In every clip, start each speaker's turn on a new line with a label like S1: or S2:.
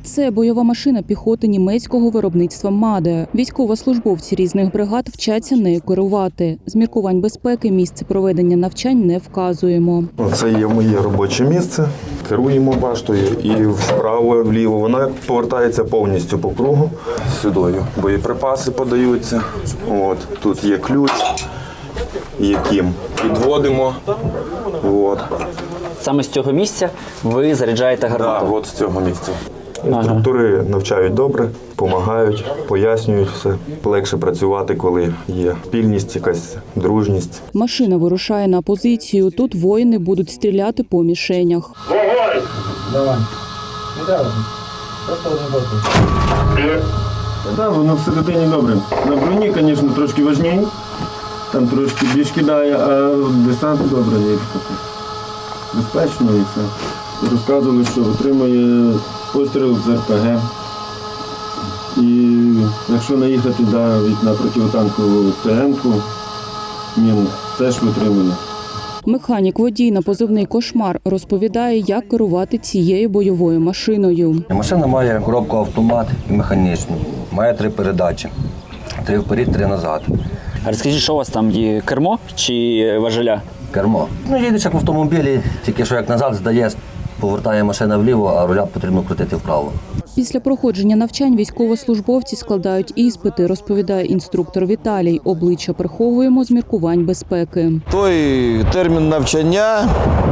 S1: Це бойова машина піхоти німецького виробництва «Маде». Військовослужбовці різних бригад вчаться нею керувати. З міркувань безпеки місце проведення навчань не вказуємо.
S2: Це є моє робоче місце. Керуємо баштою і вправо, вліво. Вона повертається повністю по кругу. Сюди боєприпаси подаються. От, тут є ключ, яким підводимо. От.
S3: Саме з цього місця ви заряджаєте гармату?
S2: Так, от з цього місця. Інструктори навчають добре, допомагають, пояснюють все. Легше працювати, коли є спільність, якась дружність.
S1: Машина вирушає на позицію. Тут воїни будуть стріляти по мішенях.
S4: Вогонь! Давай. Не треба. Просто один постріл.
S5: Так, воно всередині добре. На броні, звісно, трошки важніше. Там трошки більш кидає, а десант добре є. Безпечно і все. Розказували, що отримує постріл з РПГ. І якщо наїхати на противотанкову ТМ-ку, він теж витримує.
S1: Механік-водій на позивний «Кошмар» розповідає, як керувати цією бойовою машиною.
S6: Машина має коробку автомат і механічну. Має 3 передачі. 3 вперед, 3 назад.
S3: А розкажіть, що у вас там є? Кермо чи важеля?
S6: Кермо. Їдеш як в автомобілі, тільки що як назад здаєш, повертає машина вліво, а руля потрібно крутити вправо.
S1: Після проходження навчань військовослужбовці складають іспити, розповідає інструктор Віталій. Обличчя приховуємо з міркувань безпеки.
S7: Той термін навчання,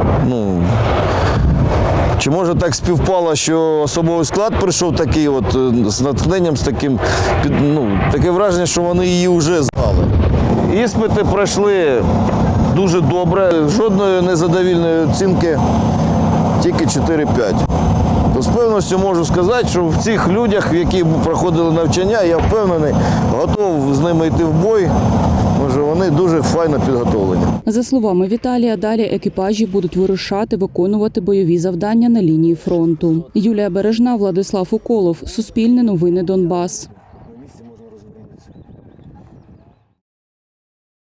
S7: чи може так співпало, що особовий склад прийшов такий з натхненням, з таким, таке враження, що вони її вже знали. Іспити пройшли дуже добре, жодної незадовільної оцінки, тільки 4-5. То з певністю можу сказати, що в цих людях, які проходили навчання, я впевнений, готов з ними йти в бой, може вони дуже файно підготовлені.
S1: За словами Віталія, далі екіпажі будуть вирушати виконувати бойові завдання на лінії фронту. Юлія Бережна, Владислав Уколов, Суспільне новини Донбас.